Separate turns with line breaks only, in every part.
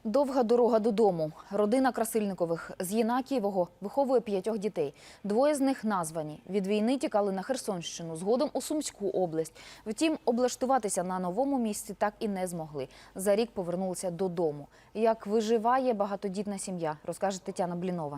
Довга дорога додому. Родина Красильникових з Єнакієвого виховує 5 дітей. 2 з них названі. Від війни тікали на Херсонщину, згодом у Сумську область. Втім, облаштуватися на новому місці так і не змогли. За рік повернулися додому. Як виживає багатодітна сім'я, розкаже Тетяна Блінова.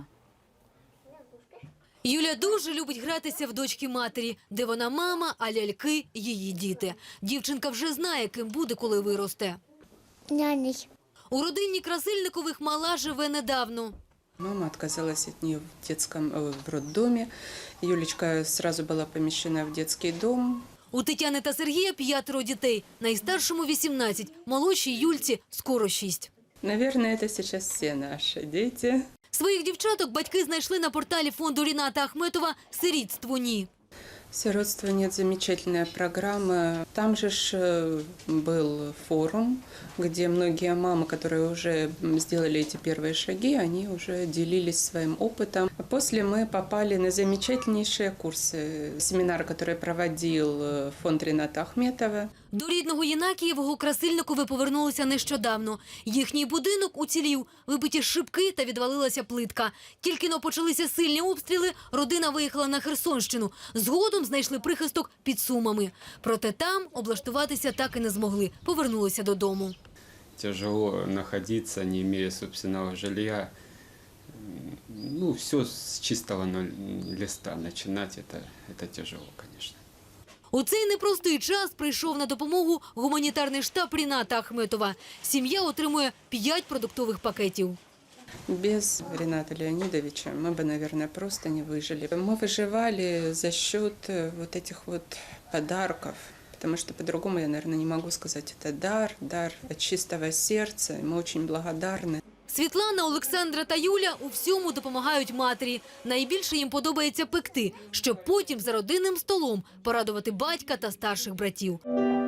Юля дуже любить гратися в дочки матері, де вона мама, а ляльки – її діти. Дівчинка вже знає, ким буде, коли виросте.
Няней.
У родині Красильникових мала живе недавно.
Мама отказалась от нее в роддоме. Юлечка сразу была помещена в детский дом.
У Тетяни та Сергія 5 дітей. Найстаршому 18, молодшій Юльці скоро 6.
Наверное, это сейчас все наши дети.
Своїх дівчаток батьки знайшли на порталі фонду Ріната Ахметова «Сирітство ні».
«Сиротство нет» – замечательная программа. Там же был форум, где многие мамы, которые уже сделали эти первые шаги, они уже делились своим опытом. После мы попали на замечательнейшие курсы, семинар, который проводил фонд Ріната Ахметова.
До рідного Єнакієвого Красильникови повернулися нещодавно. Їхній будинок уцілів, вибиті шибки та відвалилася плитка. Тільки-но почалися сильні обстріли, родина виїхала на Херсонщину. Згодом знайшли прихисток під Сумами. Проте там облаштуватися так і не змогли. Повернулися додому.
Тяжело находиться, не имея собственного жилья. Ну, все с чистого листа начинать, это тяжело, конечно.
У цей непростий час прийшов на допомогу гуманітарний штаб Ріната Ахметова. Сім'я отримує 5 продуктових пакетів.
Без Рената Леонидовича мы бы, наверное, просто не выжили. Мы выживали за счет вот этих вот подарков, потому что по-другому я, наверное, не могу сказать. Это дар от чистого сердца. Мы очень благодарны.
Світлана, Олександра та Юля у всьому допомагають матері. Найбільше їм подобається пекти, щоб потім за родинним столом порадувати батька та старших братів.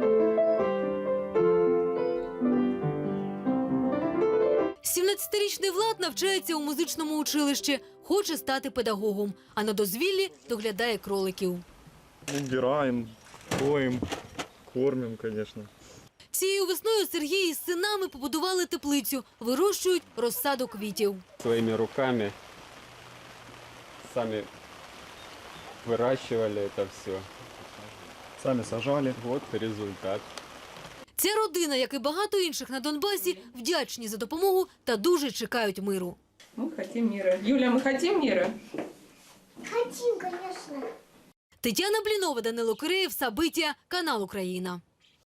17-річний Влад навчається у музичному училищі, хоче стати педагогом, а на дозвіллі доглядає кроликів.
Убираємо, поїмо, кормимо, звісно.
Цією весною Сергій із синами побудували теплицю, вирощують розсаду квітів.
Своими руками сами выращивали это все.
Самі сажали.
Вот результат.
Ця родина, як і багато інших на Донбасі, вдячні за допомогу та дуже чекають миру.
Мы хотим мира. Юля, мы хотим мира?
Хотим, конечно.
Тетяна Блінова, Данило Киреєв, Сабиття, канал Україна.